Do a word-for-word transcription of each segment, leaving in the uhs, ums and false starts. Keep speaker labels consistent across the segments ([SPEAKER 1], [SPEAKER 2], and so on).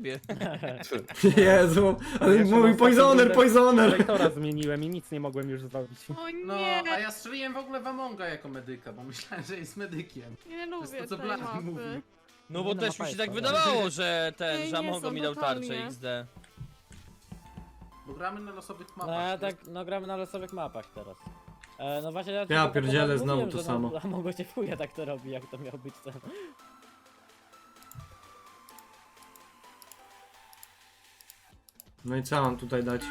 [SPEAKER 1] ciebie.
[SPEAKER 2] Jezu, ale
[SPEAKER 3] Jeszcze
[SPEAKER 2] mówi
[SPEAKER 3] na
[SPEAKER 2] poisoner,
[SPEAKER 3] ostatnią
[SPEAKER 2] poisoner!
[SPEAKER 3] Lektora zmieniłem i nic nie mogłem już zrobić.
[SPEAKER 4] O
[SPEAKER 5] No,
[SPEAKER 4] nie,
[SPEAKER 5] a ja strzeliłem w ogóle w Amonga jako medyka, bo myślałem, że jest medykiem.
[SPEAKER 4] nie
[SPEAKER 5] To jest
[SPEAKER 4] lubię
[SPEAKER 5] to, co
[SPEAKER 4] tej
[SPEAKER 5] Blady
[SPEAKER 4] mapy.
[SPEAKER 5] mówi.
[SPEAKER 1] No bo
[SPEAKER 3] Nie, no,
[SPEAKER 1] też
[SPEAKER 3] mapa
[SPEAKER 1] mi się
[SPEAKER 3] jest
[SPEAKER 1] tak
[SPEAKER 3] fajna.
[SPEAKER 1] wydawało, że ten,
[SPEAKER 4] Ej,
[SPEAKER 1] że
[SPEAKER 4] nie
[SPEAKER 1] Amongo
[SPEAKER 4] są
[SPEAKER 1] mi dał tarczę
[SPEAKER 4] totalnie.
[SPEAKER 1] X D.
[SPEAKER 5] Bo gramy na losowych mapach.
[SPEAKER 6] No ja
[SPEAKER 5] nie?
[SPEAKER 6] tak, no gramy na losowych mapach teraz. E, no właśnie ja,
[SPEAKER 2] Ja
[SPEAKER 6] tylko
[SPEAKER 2] pierdzielę,
[SPEAKER 6] mówiłem,
[SPEAKER 2] znowu to
[SPEAKER 6] że
[SPEAKER 2] samo.
[SPEAKER 6] No, a mogło cię w chuja tak to robi, jak to miał być ten.
[SPEAKER 2] No i co mam tutaj dać?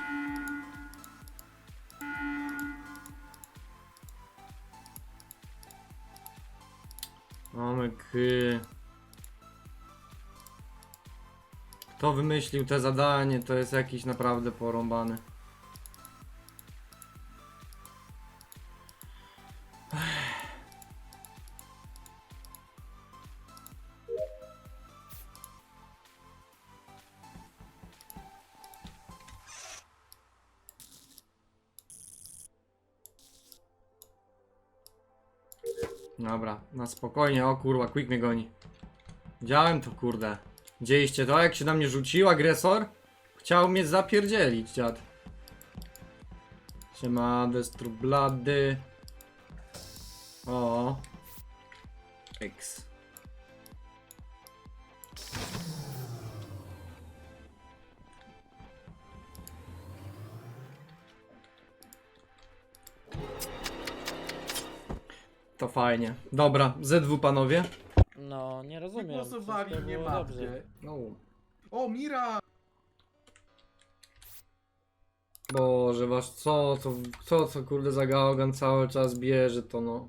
[SPEAKER 2] Omek. Kto wymyślił te zadanie, to jest jakiś naprawdę porąbany. Dobra, na spokojnie, o kurwa, Quick mnie goni. Widziałem to, kurde. Widzieliście to, jak się na mnie rzucił agresor? Chciał mnie zapierdzielić, dziad. Siema, Destrublady. O. X. To fajnie. Dobra, Z dwa panowie.
[SPEAKER 6] No nie rozumiem.
[SPEAKER 5] Wygłosowali
[SPEAKER 6] wszystko
[SPEAKER 5] mnie
[SPEAKER 6] było
[SPEAKER 5] mapcie.
[SPEAKER 6] dobrze.
[SPEAKER 2] No.
[SPEAKER 5] O, Mira!
[SPEAKER 2] Boże, wasz co, co, co, co kurde za gałgan cały czas bierze to no.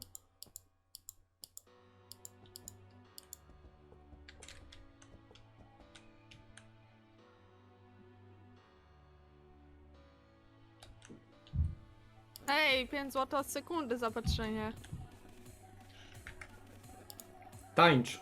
[SPEAKER 4] Ej, pięć złotych od sekundy zapatrzenie.
[SPEAKER 2] Tańcz.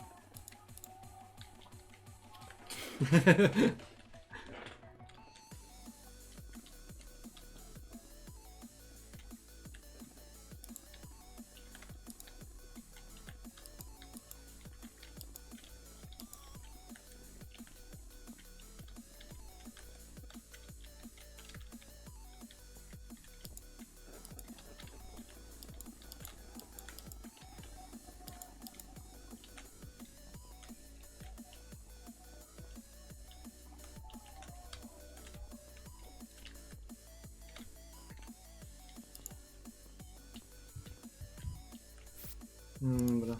[SPEAKER 2] Dobra.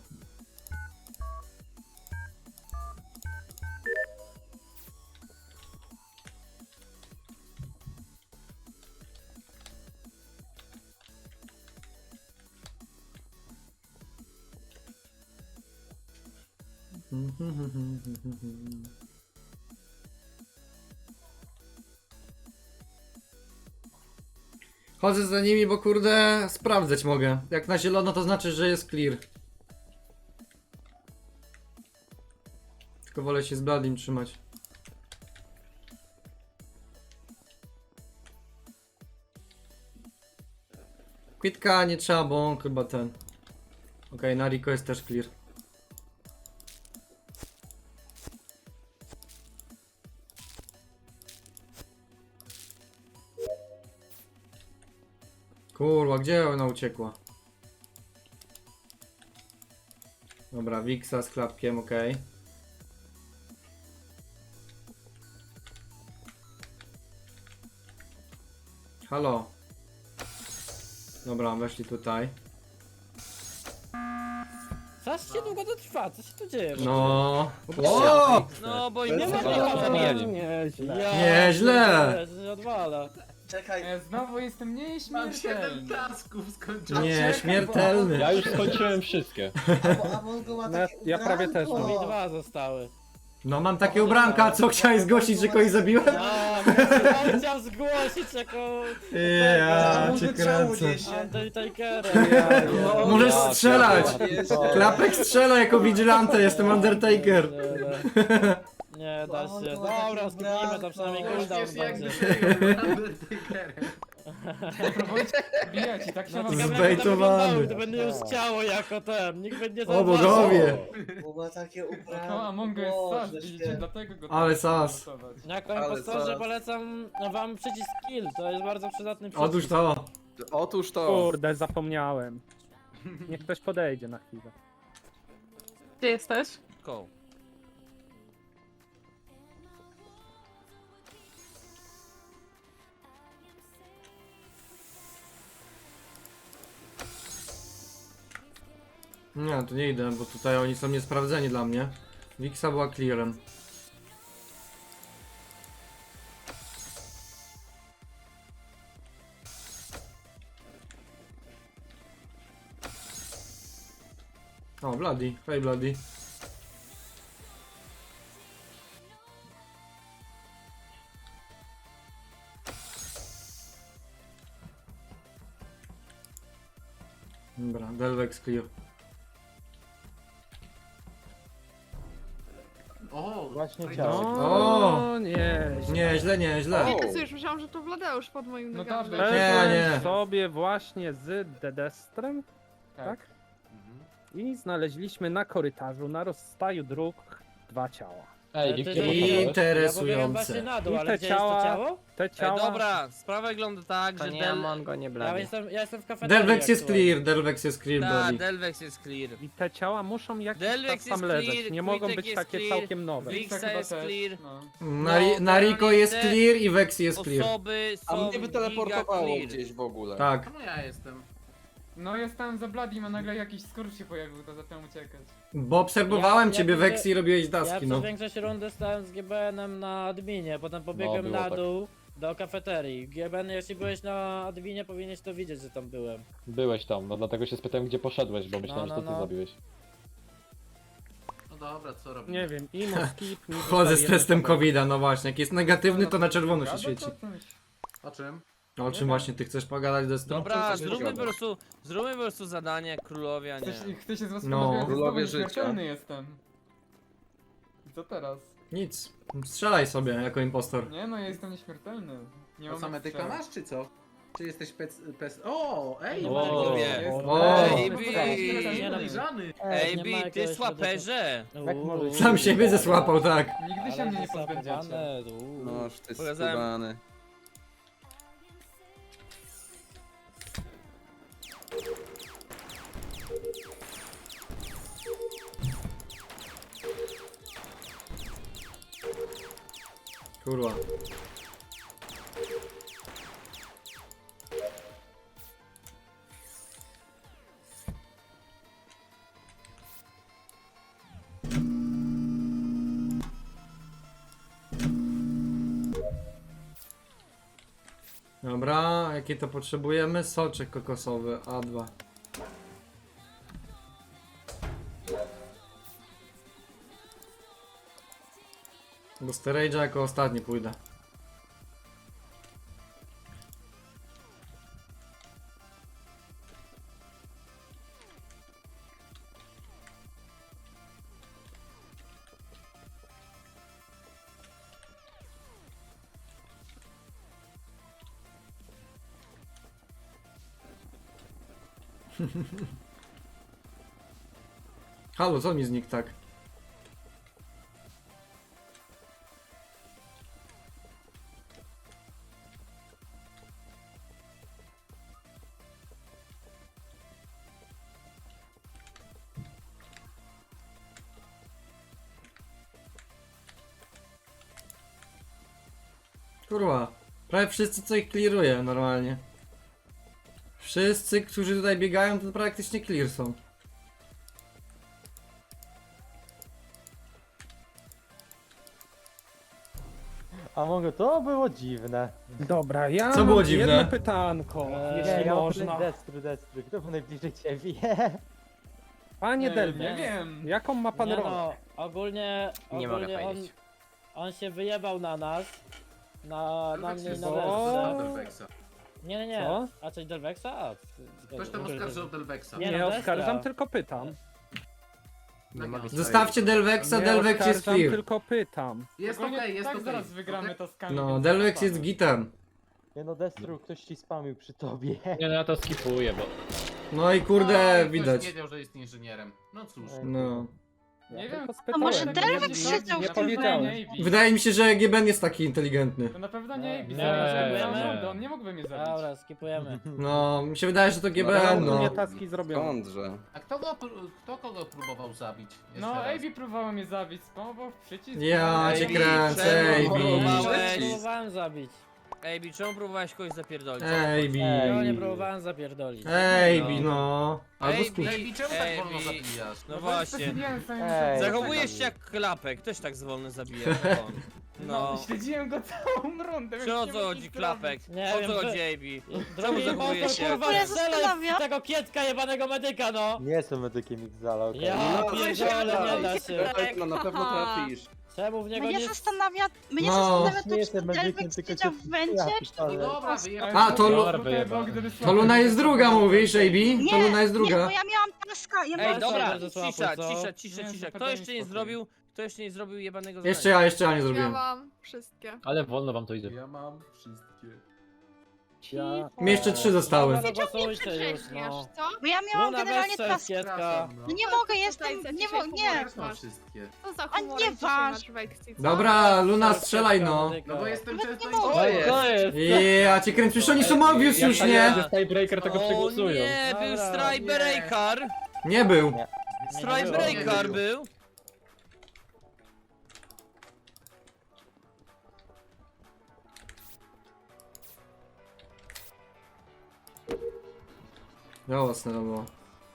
[SPEAKER 2] Chodzę za nimi, bo kurde sprawdzać mogę. Jak na zielono to znaczy, że jest clear. Tylko wolę się z Bladim trzymać. Kwitka nie trzeba, bo on chyba ten. Okej, okay, na Rico jest też clear. Kurwa, gdzie ona uciekła? Dobra, Wixa z klapkiem, okej. Okay. Halo. Dobra, weszli tutaj.
[SPEAKER 6] Coś się długo to trwa, co się tu dzieje?
[SPEAKER 2] No.
[SPEAKER 6] O!
[SPEAKER 1] No bo
[SPEAKER 7] To
[SPEAKER 1] im
[SPEAKER 7] jest
[SPEAKER 1] nie
[SPEAKER 7] chyba-
[SPEAKER 1] ma
[SPEAKER 7] to
[SPEAKER 1] zabijali.
[SPEAKER 3] Nieźle.
[SPEAKER 2] Nieźle.
[SPEAKER 6] To się odwala.
[SPEAKER 7] Czekaj,
[SPEAKER 3] E, Znowu jestem
[SPEAKER 5] Mam siedem
[SPEAKER 3] nieśmiertelny.
[SPEAKER 5] tasków skończonych.
[SPEAKER 2] Nie, śmiertelny.
[SPEAKER 8] Ja już skończyłem wszystkie.
[SPEAKER 7] a, a Mongo ma
[SPEAKER 3] No ja-
[SPEAKER 7] takie
[SPEAKER 3] ja prawie też
[SPEAKER 7] ubranko.
[SPEAKER 6] Mi dwa zostały.
[SPEAKER 2] No mam takie ubranka, co chciałeś zgłosić, że kogoś zabiłem?
[SPEAKER 6] A, on chciał zgłosić jako
[SPEAKER 2] Ja
[SPEAKER 7] Mongo
[SPEAKER 2] cię
[SPEAKER 7] czemu
[SPEAKER 2] kręcę.
[SPEAKER 7] niesie?
[SPEAKER 6] Undertakerem.
[SPEAKER 7] No,
[SPEAKER 2] Możesz
[SPEAKER 8] ja
[SPEAKER 2] strzelać!
[SPEAKER 7] Jezu.
[SPEAKER 2] Klapek strzela jako vigilante, jestem Undertaker.
[SPEAKER 6] Nie da
[SPEAKER 7] On
[SPEAKER 6] się.
[SPEAKER 7] to ma takie
[SPEAKER 6] Dobra, skipnijmy to, przynajmniej
[SPEAKER 7] ubranko.
[SPEAKER 6] cooldown
[SPEAKER 5] Wiesz, jak
[SPEAKER 6] będzie.
[SPEAKER 5] gdyby Undertakerem.
[SPEAKER 3] Próbujcie bijać i tak się
[SPEAKER 6] No
[SPEAKER 3] wam
[SPEAKER 6] ciekawe,
[SPEAKER 2] Zbejtowany.
[SPEAKER 6] jak to wyglądało, gdyby nie już ciało jako ten, nikt by nie
[SPEAKER 2] O
[SPEAKER 6] zauważył.
[SPEAKER 2] bogowie!
[SPEAKER 7] Bo ma takie ubranie.
[SPEAKER 3] To Among Us
[SPEAKER 7] Boże
[SPEAKER 3] sas, widzicie,
[SPEAKER 7] święty.
[SPEAKER 3] dlatego go
[SPEAKER 2] Ale
[SPEAKER 3] tak
[SPEAKER 2] sas.
[SPEAKER 3] głosować.
[SPEAKER 6] Jako
[SPEAKER 1] Ale
[SPEAKER 6] impostorze
[SPEAKER 1] co?
[SPEAKER 6] polecam wam przycisk kill, to jest bardzo przydatny przycisk.
[SPEAKER 2] Otóż to.
[SPEAKER 1] Otóż to.
[SPEAKER 3] Kurde, zapomniałem. Niech ktoś podejdzie na chwilę.
[SPEAKER 4] Gdzie jesteś?
[SPEAKER 8] Go.
[SPEAKER 2] Nie, to nie idę, bo tutaj oni są niesprawdzeni dla mnie. Wixa była clearem. O, Bloody. Hej, Bloody. Dobra, Delvex clear.
[SPEAKER 5] O,
[SPEAKER 6] Właśnie
[SPEAKER 5] fajnie.
[SPEAKER 6] ciało.
[SPEAKER 2] O!
[SPEAKER 3] nie.
[SPEAKER 2] Nie, źle, nie, źle.
[SPEAKER 1] O!
[SPEAKER 4] Jezu, już myślałam, że to Wladeusz pod moim
[SPEAKER 3] No
[SPEAKER 4] nogami.
[SPEAKER 3] dobrze,
[SPEAKER 2] Nie, nie.
[SPEAKER 3] szedłem sobie właśnie z Dedestrem, tak?
[SPEAKER 5] Mhm.
[SPEAKER 3] I znaleźliśmy na korytarzu, na rozstaju dróg, dwa ciała.
[SPEAKER 6] Ej,
[SPEAKER 2] I-
[SPEAKER 6] gdzie poszedłeś?
[SPEAKER 2] interesujące.
[SPEAKER 6] Ja pobiegłem właśnie na dół,
[SPEAKER 3] I
[SPEAKER 6] ale
[SPEAKER 3] te
[SPEAKER 6] gdzie jest
[SPEAKER 3] ciała-
[SPEAKER 6] to ciało?
[SPEAKER 3] Te
[SPEAKER 8] Ej,
[SPEAKER 3] ciała...
[SPEAKER 8] dobra, sprawa wygląda tak,
[SPEAKER 9] To
[SPEAKER 8] że
[SPEAKER 9] nie
[SPEAKER 8] Del...
[SPEAKER 9] Amongo, nie
[SPEAKER 6] Ja
[SPEAKER 9] Blady.
[SPEAKER 6] jestem, ja jestem w kafeterii
[SPEAKER 2] Delvex jest
[SPEAKER 6] aktualnie.
[SPEAKER 2] clear, Delvex jest clear,
[SPEAKER 8] Ta,
[SPEAKER 2] Bloody.
[SPEAKER 8] Delvex jest clear.
[SPEAKER 3] I te ciała muszą jakiś
[SPEAKER 8] Delvex
[SPEAKER 3] czas tam
[SPEAKER 8] jest
[SPEAKER 3] leżeć.
[SPEAKER 8] clear,
[SPEAKER 3] Nie mogą
[SPEAKER 8] Quitek
[SPEAKER 3] być
[SPEAKER 8] jest
[SPEAKER 3] takie
[SPEAKER 8] clear,
[SPEAKER 3] całkiem nowe.
[SPEAKER 8] Wixa
[SPEAKER 3] Chyba
[SPEAKER 8] jest
[SPEAKER 3] też,
[SPEAKER 8] clear.
[SPEAKER 3] no.
[SPEAKER 2] Na, ri- na Rico jest clear i Vexy jest clear.
[SPEAKER 8] Osoby
[SPEAKER 1] A
[SPEAKER 8] są
[SPEAKER 1] mnie by
[SPEAKER 8] giga
[SPEAKER 1] teleportowało
[SPEAKER 8] clear.
[SPEAKER 1] gdzieś w ogóle.
[SPEAKER 2] Tak.
[SPEAKER 5] Czemu ja jestem?
[SPEAKER 3] No jestem za Bloodym, a nagle jakiś skurcz się pojawił, to zacząłem uciekać.
[SPEAKER 2] Bo obserwowałem
[SPEAKER 6] Ja- ja
[SPEAKER 2] ciebie,
[SPEAKER 6] widzę-
[SPEAKER 2] Vexy, i robiłeś
[SPEAKER 6] Ja
[SPEAKER 2] daski,
[SPEAKER 6] przez
[SPEAKER 2] no.
[SPEAKER 6] większość rundy stałem z G B N-em na adminie, potem pobiegłem
[SPEAKER 1] No, było
[SPEAKER 6] na
[SPEAKER 1] tak.
[SPEAKER 6] dół do kafeterii. G B N, jeśli byłeś na adminie, powinieneś to widzieć, że tam byłem.
[SPEAKER 10] Byłeś tam, no dlatego się spytałem, gdzie poszedłeś, bo myślałem,
[SPEAKER 6] no,
[SPEAKER 10] że to ty
[SPEAKER 6] no.
[SPEAKER 10] zabiłeś.
[SPEAKER 5] No dobra, co robimy?
[SPEAKER 3] Nie wiem, imo, skip, mi
[SPEAKER 2] Chodzę z
[SPEAKER 3] zostaje
[SPEAKER 2] testem
[SPEAKER 3] jeden
[SPEAKER 2] kowida, no właśnie. Jak jest negatywny, to na czerwono się
[SPEAKER 3] Gadać
[SPEAKER 2] świeci.
[SPEAKER 3] o czymś?
[SPEAKER 5] O czym?
[SPEAKER 2] O czym właśnie ty chcesz pogadać, Destro?
[SPEAKER 8] Dobra,
[SPEAKER 1] coś
[SPEAKER 8] zróbmy po
[SPEAKER 1] zgadza.
[SPEAKER 8] prostu, zróbmy po prostu zadanie królowia, nie.
[SPEAKER 3] Chcesz, chcę się z was
[SPEAKER 2] No.
[SPEAKER 3] pożegnać,
[SPEAKER 1] Królowie
[SPEAKER 3] znowu
[SPEAKER 1] życia.
[SPEAKER 3] nieśmiertelny jestem. I co teraz?
[SPEAKER 2] Nic. Strzelaj sobie jako impostor.
[SPEAKER 3] Nie no, ja jestem nieśmiertelny. Nie
[SPEAKER 5] To
[SPEAKER 3] mam
[SPEAKER 5] same
[SPEAKER 3] jak
[SPEAKER 5] tylko
[SPEAKER 3] strzelać.
[SPEAKER 5] masz, czy co? Czy jesteś pec... pec... O, ej!
[SPEAKER 6] Nie
[SPEAKER 8] O,
[SPEAKER 6] ma jakiegoś-
[SPEAKER 8] wie.
[SPEAKER 3] Jest-
[SPEAKER 2] O.
[SPEAKER 8] Ej,
[SPEAKER 3] No,
[SPEAKER 8] Bi!
[SPEAKER 3] nie, no,
[SPEAKER 5] Podejrzany!
[SPEAKER 6] Ej,
[SPEAKER 8] Ej,
[SPEAKER 6] nie ma
[SPEAKER 8] Bi, ty
[SPEAKER 6] jakiegoś
[SPEAKER 8] słaperze!
[SPEAKER 6] Jak możesz-
[SPEAKER 2] Sam siebie zesłapał, tak.
[SPEAKER 3] Nigdy się
[SPEAKER 6] Ale
[SPEAKER 3] mnie nie
[SPEAKER 6] zasapowane,
[SPEAKER 3] pozbędziecie.
[SPEAKER 6] uuu.
[SPEAKER 1] Noż, ty
[SPEAKER 8] Pokazałem-
[SPEAKER 1] skubany.
[SPEAKER 2] Kurwa. Dobra, jakie to potrzebujemy? Soczek kokosowy, A dwa. Do storage'a jako ostatni pójdę. Halo, co mi znikł tak? Kurwa, prawie wszyscy co ich clearuje normalnie. Wszyscy, którzy tutaj biegają, to praktycznie clear są.
[SPEAKER 11] A mogę, to było dziwne.
[SPEAKER 3] Dobra, ja
[SPEAKER 2] Co
[SPEAKER 3] mam
[SPEAKER 2] było dziwne?
[SPEAKER 3] jedno pytanko,
[SPEAKER 6] Eee,
[SPEAKER 3] jeśli
[SPEAKER 11] ja
[SPEAKER 3] można.
[SPEAKER 11] Destru, Destru, kto był najbliżej ciebie?
[SPEAKER 3] Panie
[SPEAKER 6] Nie,
[SPEAKER 3] Delvex,
[SPEAKER 6] nie wiem.
[SPEAKER 3] jaką ma pan
[SPEAKER 6] Nie
[SPEAKER 3] rolę?
[SPEAKER 6] no, ogólnie,
[SPEAKER 9] Nie mogę
[SPEAKER 6] ogólnie on,
[SPEAKER 9] powiedzieć.
[SPEAKER 6] on się wyjebał na nas. Na, na mnie i na
[SPEAKER 3] O.
[SPEAKER 6] Delvexa.
[SPEAKER 5] Delvexa.
[SPEAKER 6] Nie, nie, nie.
[SPEAKER 3] Co?
[SPEAKER 6] A coś Delvexa? A,
[SPEAKER 5] Ktoś tam oskarżał Delvexa.
[SPEAKER 6] Nie,
[SPEAKER 3] Nie,
[SPEAKER 6] no,
[SPEAKER 3] oskarżam,
[SPEAKER 6] Destra.
[SPEAKER 3] tylko pytam.
[SPEAKER 5] Nie mogę
[SPEAKER 2] Zostawcie Delvexa,
[SPEAKER 3] Nie
[SPEAKER 2] Delvex jest
[SPEAKER 3] oskarżam,
[SPEAKER 2] clear.
[SPEAKER 3] tylko pytam.
[SPEAKER 5] Jest
[SPEAKER 3] Ogólnie
[SPEAKER 5] okej, jest
[SPEAKER 3] tak
[SPEAKER 5] okej.
[SPEAKER 3] zaraz wygramy
[SPEAKER 5] Okej?
[SPEAKER 3] taskami.
[SPEAKER 2] No,
[SPEAKER 3] więc
[SPEAKER 2] Delvex
[SPEAKER 3] zobaczymy.
[SPEAKER 2] jest gitem.
[SPEAKER 11] Nie no, Destru, ktoś ci spamił przy tobie.
[SPEAKER 10] Nie no, ja to skipuję, bo...
[SPEAKER 2] No i
[SPEAKER 5] No,
[SPEAKER 2] kurde,
[SPEAKER 5] i ktoś
[SPEAKER 2] widać.
[SPEAKER 5] wiedział, że jest inżynierem. No cóż.
[SPEAKER 2] No.
[SPEAKER 3] Nie
[SPEAKER 11] Ja
[SPEAKER 3] wiem.
[SPEAKER 11] tylko
[SPEAKER 4] A może
[SPEAKER 11] spytałem,
[SPEAKER 4] Derek
[SPEAKER 11] nie-
[SPEAKER 4] krzyczał
[SPEAKER 11] nie
[SPEAKER 4] w tym
[SPEAKER 11] powiedziałem.
[SPEAKER 3] Nie, Ivy.
[SPEAKER 2] Wydaje mi się, że G B N jest taki inteligentny.
[SPEAKER 3] To na pewno nie Ivy.
[SPEAKER 10] Nie,
[SPEAKER 3] Nie,
[SPEAKER 10] nie.
[SPEAKER 3] on nie mógłby mnie zabić.
[SPEAKER 6] Dobra, skipujemy.
[SPEAKER 2] No, mi się wydaje, że to G B N,
[SPEAKER 11] Ale
[SPEAKER 2] no.
[SPEAKER 11] nie taski zrobione.
[SPEAKER 1] Skądże?
[SPEAKER 5] A kto, go, pró- kto kogo próbował zabić? Jeszcze
[SPEAKER 3] No,
[SPEAKER 5] raz.
[SPEAKER 3] Ivy próbował mnie zabić, spamował w przycisk.
[SPEAKER 2] Ja cię
[SPEAKER 8] Ej,
[SPEAKER 2] kręcę,
[SPEAKER 8] czemu
[SPEAKER 2] Ejbi.
[SPEAKER 8] próbowałeś?
[SPEAKER 6] Próbowałem zabić.
[SPEAKER 8] Ej, czemu próbowałeś kogoś zapierdolić?
[SPEAKER 2] Ejbi.
[SPEAKER 6] No nie próbowałem zapierdolić.
[SPEAKER 2] Ejbi, no. Albo
[SPEAKER 8] Ej,
[SPEAKER 2] skup.
[SPEAKER 5] Ej, czemu tak
[SPEAKER 8] Ej,
[SPEAKER 5] wolno
[SPEAKER 8] Wi-
[SPEAKER 5] zabijasz?
[SPEAKER 8] No
[SPEAKER 3] bo
[SPEAKER 8] właśnie.
[SPEAKER 3] specjalnie sobie
[SPEAKER 11] Ej.
[SPEAKER 3] muszę-
[SPEAKER 8] Zachowujesz się jak klapek, ktoś tak zwolny zabija. No.
[SPEAKER 3] No,
[SPEAKER 8] no.
[SPEAKER 3] śledziłem go całą rundę.
[SPEAKER 8] Czy
[SPEAKER 3] więc
[SPEAKER 8] o
[SPEAKER 3] nie
[SPEAKER 8] co
[SPEAKER 3] mógł
[SPEAKER 8] chodzi
[SPEAKER 3] nic
[SPEAKER 8] klapek?
[SPEAKER 6] Nie
[SPEAKER 8] O
[SPEAKER 6] wiem,
[SPEAKER 8] co
[SPEAKER 6] że-
[SPEAKER 8] chodzi, Ejbi?
[SPEAKER 6] Drogi
[SPEAKER 8] zachowujesz
[SPEAKER 6] impostor,
[SPEAKER 8] się?
[SPEAKER 6] kurwa,
[SPEAKER 4] Ja
[SPEAKER 6] strzelaj
[SPEAKER 4] zastanawiam.
[SPEAKER 6] w tego kietka jebanego medyka, no!
[SPEAKER 11] Nie jestem medykiem X-Zala, okej.
[SPEAKER 6] Ja pierdolę, nie da się.
[SPEAKER 1] No na pewno trafisz.
[SPEAKER 6] Czemu w niego
[SPEAKER 4] Mnie
[SPEAKER 6] nie...
[SPEAKER 4] zastanawia, mnie
[SPEAKER 2] No.
[SPEAKER 4] zastanawia
[SPEAKER 11] Nie
[SPEAKER 4] to,
[SPEAKER 11] jestem
[SPEAKER 4] czy
[SPEAKER 11] medykiem,
[SPEAKER 4] Delvex
[SPEAKER 11] tylko
[SPEAKER 4] siedział
[SPEAKER 11] cię
[SPEAKER 4] w węcie,
[SPEAKER 11] ja
[SPEAKER 4] czy
[SPEAKER 11] pierdolę.
[SPEAKER 4] to
[SPEAKER 5] No
[SPEAKER 4] był
[SPEAKER 5] dobra,
[SPEAKER 4] impostor.
[SPEAKER 5] wyjechał.
[SPEAKER 2] A, to Lu-
[SPEAKER 3] Tutaj
[SPEAKER 10] wyjebane.
[SPEAKER 3] był, gdyby
[SPEAKER 2] To
[SPEAKER 3] słaby
[SPEAKER 2] Luna
[SPEAKER 3] był,
[SPEAKER 2] jest
[SPEAKER 3] to
[SPEAKER 2] druga,
[SPEAKER 3] by-
[SPEAKER 2] mówisz, Ejbi? To
[SPEAKER 4] Nie,
[SPEAKER 2] Luna jest
[SPEAKER 4] nie, bo
[SPEAKER 2] druga.
[SPEAKER 4] ja miałam taska, ja
[SPEAKER 8] Ej,
[SPEAKER 4] miałam
[SPEAKER 6] dobra.
[SPEAKER 8] dobra,
[SPEAKER 6] bardzo słabo,
[SPEAKER 8] cisza,
[SPEAKER 6] co?
[SPEAKER 8] cisza, cisza,
[SPEAKER 3] Nie,
[SPEAKER 8] cisza.
[SPEAKER 3] to
[SPEAKER 8] Kto
[SPEAKER 3] daj
[SPEAKER 8] jeszcze nie
[SPEAKER 3] spokój.
[SPEAKER 8] zrobił, kto jeszcze nie zrobił jebanego zadania?
[SPEAKER 2] Jeszcze ja, jeszcze ja nie
[SPEAKER 4] Ja
[SPEAKER 2] zrobiłem.
[SPEAKER 4] mam wszystkie.
[SPEAKER 10] Ale wolno wam to idzie.
[SPEAKER 5] Ja mam wszystkie.
[SPEAKER 11] Ja...
[SPEAKER 2] Mi jeszcze trzy zostały.
[SPEAKER 6] No
[SPEAKER 4] Nie
[SPEAKER 6] głosujcie już,
[SPEAKER 4] przedrzeźniasz,
[SPEAKER 6] no.
[SPEAKER 4] co? Bo ja miałam
[SPEAKER 6] Luna,
[SPEAKER 4] generalnie
[SPEAKER 6] weź strzel
[SPEAKER 4] task.
[SPEAKER 6] kietka.
[SPEAKER 5] Przepraszam, no.
[SPEAKER 4] No nie mogę, jestem, nie mo- nie.
[SPEAKER 5] Też mam wszystkie.
[SPEAKER 4] Co za A nie waż.
[SPEAKER 2] Dobra, Luna, strzelaj, no.
[SPEAKER 5] No bo jestem
[SPEAKER 4] Nawet
[SPEAKER 5] często
[SPEAKER 4] nie mogę.
[SPEAKER 10] To jest! To jest!
[SPEAKER 2] Ja cię kręcę, przecież oni są obvious
[SPEAKER 10] Jak
[SPEAKER 2] już,
[SPEAKER 10] tak
[SPEAKER 2] nie?
[SPEAKER 10] jest, że Skybreaker tego
[SPEAKER 8] O
[SPEAKER 10] przegłosują.
[SPEAKER 8] nie, był
[SPEAKER 6] Dobra.
[SPEAKER 8] Strybreaker!
[SPEAKER 2] Nie był.
[SPEAKER 8] Strybreaker
[SPEAKER 5] Nie
[SPEAKER 8] był!
[SPEAKER 2] Żałosne to było.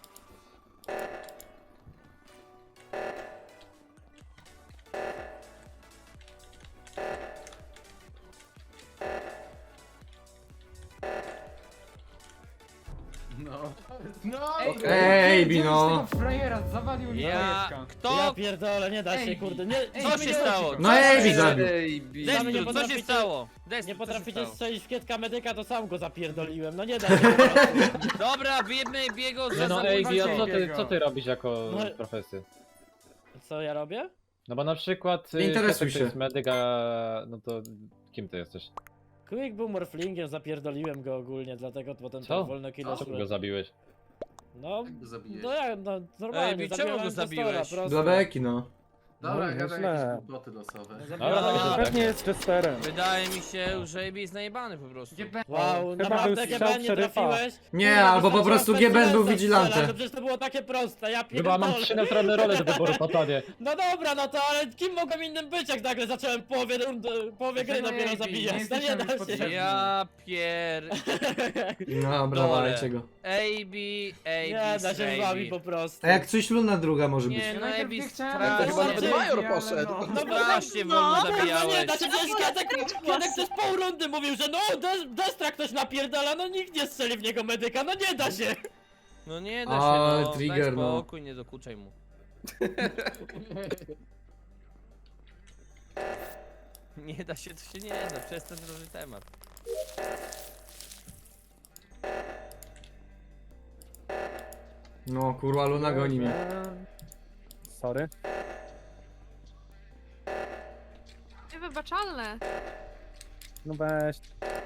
[SPEAKER 5] No. No.
[SPEAKER 3] Ej,
[SPEAKER 2] Ej,
[SPEAKER 3] gdzie-
[SPEAKER 2] Bino.
[SPEAKER 3] gdzie tego frajera zawalił mi
[SPEAKER 8] Ja...
[SPEAKER 3] ja...
[SPEAKER 6] Ja
[SPEAKER 8] Kto?
[SPEAKER 6] pierdolę, nie da się,
[SPEAKER 3] Ej,
[SPEAKER 6] kurde, nie...
[SPEAKER 3] ej,
[SPEAKER 8] Co
[SPEAKER 6] sami
[SPEAKER 8] się
[SPEAKER 6] nie-
[SPEAKER 8] stało?
[SPEAKER 2] No
[SPEAKER 8] Co
[SPEAKER 2] Ejbi
[SPEAKER 8] się-
[SPEAKER 2] zabił.
[SPEAKER 1] Ejbi.
[SPEAKER 6] Sami nie
[SPEAKER 8] Destru, co się
[SPEAKER 6] potraficie-
[SPEAKER 8] stało? Destru,
[SPEAKER 6] Nie
[SPEAKER 8] co się
[SPEAKER 6] potraficie
[SPEAKER 8] stało?
[SPEAKER 6] strzelić w kietka medyka, to sam go zapierdoliłem, no nie da się. po prostu.
[SPEAKER 8] Dobra, wyjebmy biego
[SPEAKER 10] Nie
[SPEAKER 8] za
[SPEAKER 10] no
[SPEAKER 8] zabójstwo.
[SPEAKER 10] Ejbi, a co ty,
[SPEAKER 3] Biego.
[SPEAKER 10] co ty robisz jako
[SPEAKER 6] No.
[SPEAKER 10] profesję?
[SPEAKER 6] Co ja robię?
[SPEAKER 10] No bo na przykład...
[SPEAKER 2] Nie
[SPEAKER 10] y,
[SPEAKER 2] interesuj
[SPEAKER 10] Kietek to
[SPEAKER 2] się.
[SPEAKER 10] jest medyk, a... no to... Kim ty jesteś?
[SPEAKER 6] Quick był morflingiem, zapierdoliłem go ogólnie, dlatego potem
[SPEAKER 10] Co?
[SPEAKER 6] tak wolno kilo
[SPEAKER 10] Co
[SPEAKER 6] szły.
[SPEAKER 10] go zabiłeś?
[SPEAKER 6] No,
[SPEAKER 5] Jak go zabijesz?
[SPEAKER 6] no ja, no normalnie,
[SPEAKER 8] Ej, czemu
[SPEAKER 6] zabiłem
[SPEAKER 8] go
[SPEAKER 6] impostora,
[SPEAKER 8] zabiłeś?
[SPEAKER 6] prosto.
[SPEAKER 2] Dla beki, no.
[SPEAKER 5] Dobra,
[SPEAKER 11] No,
[SPEAKER 5] gadaj
[SPEAKER 11] źle.
[SPEAKER 5] jakieś głupoty losowe.
[SPEAKER 6] Zabiłem
[SPEAKER 10] Dobra,
[SPEAKER 8] No.
[SPEAKER 10] tak,
[SPEAKER 11] Pewnie jest Chesterem.
[SPEAKER 8] Wydaje mi się, że Ejbi jest najebany po prostu.
[SPEAKER 3] Gdzie be-
[SPEAKER 6] Wow,
[SPEAKER 11] Chyba
[SPEAKER 6] naprawdę
[SPEAKER 11] był
[SPEAKER 6] G
[SPEAKER 11] strzał
[SPEAKER 6] B N nie
[SPEAKER 11] szeryfa.
[SPEAKER 6] trafiłeś?
[SPEAKER 2] Nie,
[SPEAKER 6] Kurde,
[SPEAKER 2] albo po
[SPEAKER 6] wystarczyło
[SPEAKER 2] prostu G B N był
[SPEAKER 6] Pestilence
[SPEAKER 2] vigilantem.
[SPEAKER 6] strzelać, No przecież to było takie proste, ja
[SPEAKER 10] Chyba mam
[SPEAKER 6] pierdolę.
[SPEAKER 10] trzy neutralne role do wyboru, Patanie.
[SPEAKER 6] No dobra, no to ale kim mogłem innym być, jak nagle zacząłem połowie, rundy, połowie gry
[SPEAKER 3] No
[SPEAKER 6] dopiero
[SPEAKER 3] Ejbi,
[SPEAKER 6] zabijać,
[SPEAKER 3] nie
[SPEAKER 6] no nie
[SPEAKER 3] jesteśmy
[SPEAKER 6] da
[SPEAKER 3] już
[SPEAKER 6] się.
[SPEAKER 3] potrzebni.
[SPEAKER 8] Ja pier...
[SPEAKER 2] Dobra,
[SPEAKER 8] Dole.
[SPEAKER 2] walajcie go.
[SPEAKER 8] Ejbi, Ejbi,
[SPEAKER 6] Nie da się z wami
[SPEAKER 8] Ejbi.
[SPEAKER 6] po prostu.
[SPEAKER 2] A jak coś Luna druga może być.
[SPEAKER 8] Nie,
[SPEAKER 3] Ja
[SPEAKER 8] no
[SPEAKER 3] najpierw
[SPEAKER 8] Ejbi
[SPEAKER 3] nie chciałem,
[SPEAKER 8] strasznie-
[SPEAKER 3] ale
[SPEAKER 1] chyba nawet
[SPEAKER 3] Ejbi,
[SPEAKER 1] Major
[SPEAKER 3] ale
[SPEAKER 1] poszedł.
[SPEAKER 3] no.
[SPEAKER 6] No bo
[SPEAKER 8] Strasznie
[SPEAKER 4] no,
[SPEAKER 8] wolno
[SPEAKER 4] no,
[SPEAKER 6] Kurwa, nie
[SPEAKER 8] zabijałeś.
[SPEAKER 6] da się, przecież Kietek, Kietek przez pół rundy mówił, że no, Des- Destra ktoś napierdala, no nikt nie strzeli w niego medyka, no nie da się.
[SPEAKER 8] No nie da się,
[SPEAKER 2] Ale
[SPEAKER 8] no.
[SPEAKER 2] trigger,
[SPEAKER 8] Daj
[SPEAKER 2] no.
[SPEAKER 8] spokój, nie dokuczaj mu. Nie da się, to się nie da, przestań droży temat.
[SPEAKER 2] No kurwa, Luna goni mnie.
[SPEAKER 11] Sorry.
[SPEAKER 4] Niewybaczalne.
[SPEAKER 11] No weź.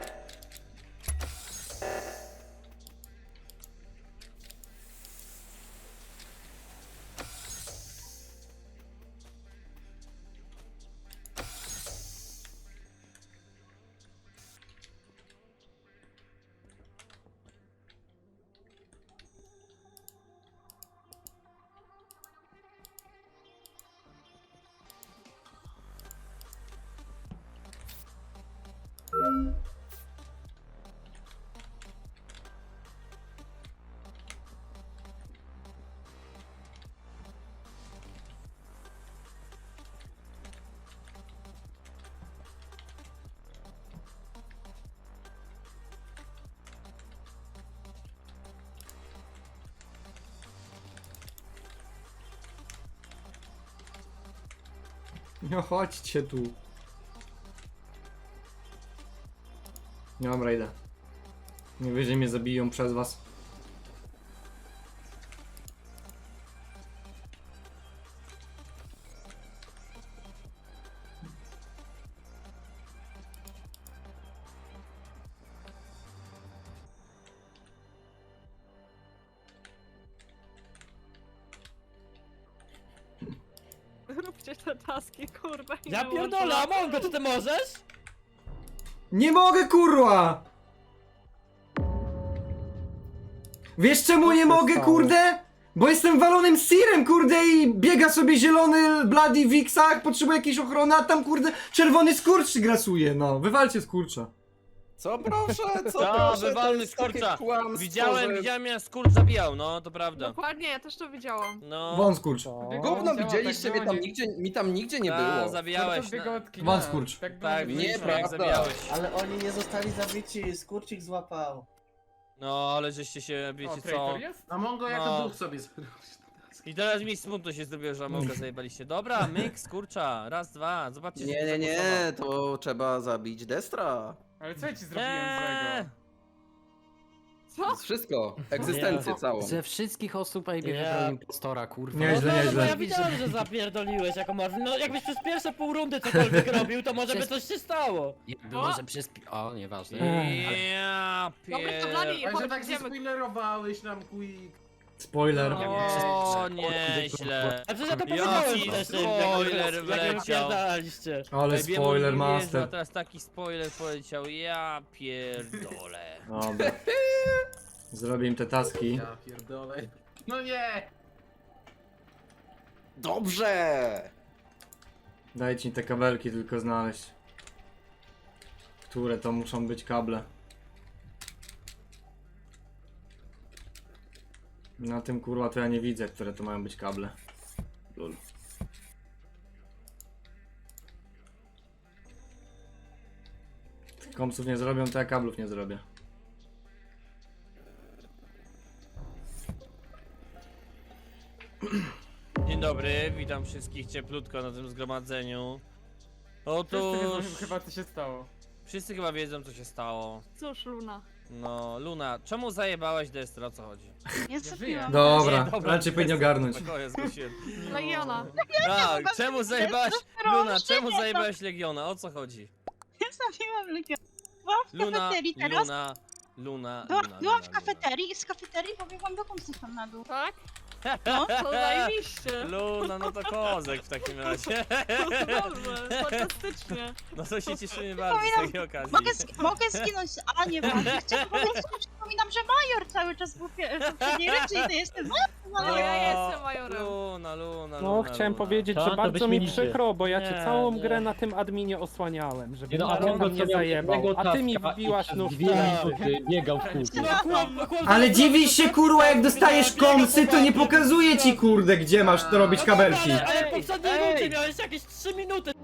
[SPEAKER 2] No chodźcie tu. Dobra, idę. Najwyżej mnie zabiją przez was.
[SPEAKER 4] Róbcie te taski, kurwa. i
[SPEAKER 6] Ja
[SPEAKER 4] nie
[SPEAKER 6] pierdolę,
[SPEAKER 4] łączę.
[SPEAKER 6] Amongo, czy ty możesz?
[SPEAKER 2] Nie mogę, kurwa! Wiesz czemu
[SPEAKER 11] Co
[SPEAKER 2] nie
[SPEAKER 11] się
[SPEAKER 2] mogę,
[SPEAKER 11] stało?
[SPEAKER 2] kurde? Bo jestem walonym sirem, kurde, i biega sobie zielony Bloody w X-ach, potrzebuje jakiejś ochrony, a tam, kurde, czerwony skurcz grasuje, no. Wywalcie skurcza.
[SPEAKER 1] Co proszę, co
[SPEAKER 6] No,
[SPEAKER 1] proszę, to
[SPEAKER 6] wywalny
[SPEAKER 1] jest takie
[SPEAKER 6] skurcza.
[SPEAKER 1] kłamstwo,
[SPEAKER 6] Widziałem,
[SPEAKER 1] że...
[SPEAKER 6] widziałem, jak skurcz zabijał, no, to prawda.
[SPEAKER 4] Dokładnie, ja też to widziałam.
[SPEAKER 6] No.
[SPEAKER 2] Wąs skurcz.
[SPEAKER 11] Co?
[SPEAKER 1] Gówno
[SPEAKER 3] Działa,
[SPEAKER 1] widzieliście,
[SPEAKER 3] tak
[SPEAKER 1] mnie tam
[SPEAKER 3] było,
[SPEAKER 1] nigdzie, mi tam nigdzie nie
[SPEAKER 6] A,
[SPEAKER 1] było.
[SPEAKER 6] zabijałeś.
[SPEAKER 3] Skurcz biegał od kina.
[SPEAKER 2] Wąs skurcz.
[SPEAKER 3] Tak, było,
[SPEAKER 6] Tak,
[SPEAKER 3] że-
[SPEAKER 6] widzieliśmy,
[SPEAKER 1] Nieprawda.
[SPEAKER 6] jak zabijałeś.
[SPEAKER 7] Ale oni nie zostali zabici, skurczyk złapał.
[SPEAKER 6] No, ale żeście się,
[SPEAKER 3] O,
[SPEAKER 6] wiecie co.
[SPEAKER 3] traitor jest?
[SPEAKER 5] A Mongo jako
[SPEAKER 6] No.
[SPEAKER 5] duch sobie zrobił.
[SPEAKER 6] I teraz mi smutno się zrobiło, że Amonga zajebaliście. Dobra, myk, skurcza, raz, dwa, zobaczcie,
[SPEAKER 1] Nie,
[SPEAKER 6] że
[SPEAKER 1] nie, nie,
[SPEAKER 6] zagłosował.
[SPEAKER 1] to trzeba zabić Destra.
[SPEAKER 3] Ale co ja ci zrobiłem
[SPEAKER 6] Eee,
[SPEAKER 3] złego?
[SPEAKER 4] Co?
[SPEAKER 1] Wszystko, egzystencję całą.
[SPEAKER 9] Ze wszystkich osób Ejbi
[SPEAKER 6] Nie.
[SPEAKER 9] wybrał impostora, kurwa.
[SPEAKER 2] Nieźle,
[SPEAKER 6] no, no,
[SPEAKER 2] nieźle.
[SPEAKER 6] no, ja widziałem, że zapierdoliłeś jako Marvin. No, jakbyś przez pierwsze pół rundy cokolwiek robił, to może by coś się stało.
[SPEAKER 9] Jakby
[SPEAKER 4] O!
[SPEAKER 9] może przez... pi- O, nieważne.
[SPEAKER 6] Ja
[SPEAKER 4] Dobra, to
[SPEAKER 6] pier...
[SPEAKER 4] Bladi,
[SPEAKER 5] A że
[SPEAKER 4] chodź,
[SPEAKER 5] tak
[SPEAKER 4] idziemy.
[SPEAKER 5] zaspoilerowałeś nam Quick.
[SPEAKER 2] Spoiler.
[SPEAKER 6] O, nieźle. A przecież ja to powiedziałem
[SPEAKER 2] Jaki
[SPEAKER 6] wcześniej,
[SPEAKER 2] spoiler
[SPEAKER 6] jak wy
[SPEAKER 2] wleciał.
[SPEAKER 6] wypierdaliście.
[SPEAKER 2] Ale
[SPEAKER 6] Ej, wiem,
[SPEAKER 2] spoiler
[SPEAKER 6] mówię, że
[SPEAKER 2] master.
[SPEAKER 6] Teraz taki spoiler poleciał, ja pierdolę.
[SPEAKER 2] Dobra. Zrobię im te taski.
[SPEAKER 5] Ja pierdolę. No nie!
[SPEAKER 1] Dobrze!
[SPEAKER 2] Dajcie mi te kabelki tylko znaleźć. Które to muszą być kable? Na tym kurwa to ja nie widzę, które to mają być kable. Lul. Kompsów nie zrobią, to ja kablów nie zrobię.
[SPEAKER 6] Dzień dobry, witam wszystkich cieplutko na tym zgromadzeniu.
[SPEAKER 3] Wszyscy wiedzą
[SPEAKER 6] Otóż...
[SPEAKER 3] chyba co się stało.
[SPEAKER 6] Wszyscy chyba wiedzą, co się stało.
[SPEAKER 4] Cóż, Luna.
[SPEAKER 6] No, Luna, czemu zajebałaś Destra, o co chodzi?
[SPEAKER 4] Nie zabiłam.
[SPEAKER 2] Dobra,
[SPEAKER 6] Nie, dobra,
[SPEAKER 2] raczej powinien ogarnąć.
[SPEAKER 6] Spokojnie, zgłosiłem.
[SPEAKER 4] Legiona.
[SPEAKER 6] Tak, czemu zajebałaś...
[SPEAKER 4] Proszę,
[SPEAKER 6] Luna, czemu
[SPEAKER 4] nie, to-
[SPEAKER 6] zajebałaś Legiona, o co chodzi?
[SPEAKER 4] Nie zabiłam Legiona. Byłam w
[SPEAKER 6] Luna,
[SPEAKER 4] kafeterii teraz.
[SPEAKER 6] Luna, Luna,
[SPEAKER 4] Była,
[SPEAKER 6] Luna,
[SPEAKER 4] byłam
[SPEAKER 6] Luna,
[SPEAKER 4] w kafeterii i z kafeterii pobiegłam do komsów tam na dół. Tak?
[SPEAKER 6] No,
[SPEAKER 4] to zajebiście.
[SPEAKER 6] Luna, no to kozek w takim razie.
[SPEAKER 4] Dobrze, fantastycznie.
[SPEAKER 6] No to się cieszymy bardzo z
[SPEAKER 4] Przypominam-
[SPEAKER 6] takiej okazji.
[SPEAKER 4] Mogę, sk- mogę zginąć, a nie ważne. Chciałam powiedzieć, że przypominam, że Major cały czas był w pie- w poprzedniej rundzie i ty jesteś Major.
[SPEAKER 6] No,
[SPEAKER 4] ja jestem Majorem.
[SPEAKER 6] Luna, Luna,
[SPEAKER 11] No,
[SPEAKER 6] Luna,
[SPEAKER 11] chciałem
[SPEAKER 6] Luna.
[SPEAKER 11] powiedzieć,
[SPEAKER 10] To
[SPEAKER 11] że
[SPEAKER 10] to
[SPEAKER 11] bardzo mi
[SPEAKER 10] wyśmienicie.
[SPEAKER 11] przykro, bo ja cię
[SPEAKER 6] Nie,
[SPEAKER 11] całą
[SPEAKER 6] nie.
[SPEAKER 11] grę na tym adminie osłaniałem, żeby
[SPEAKER 10] Nie no,
[SPEAKER 11] nikt
[SPEAKER 10] a
[SPEAKER 11] tam nie zajebał, a ty mi wbiłaś nóż w
[SPEAKER 10] dwie
[SPEAKER 11] plecy.
[SPEAKER 10] minuty biegał w kółku.
[SPEAKER 2] Ale dziwisz się kurwa, jak dostajesz komsy, to nie pokazuje ci kurde, gdzie masz to robić kabelki.
[SPEAKER 6] Ale, ale
[SPEAKER 10] Ej,
[SPEAKER 6] w poprzedniej
[SPEAKER 10] ej!
[SPEAKER 6] rundzie miałeś jakieś trzy minuty.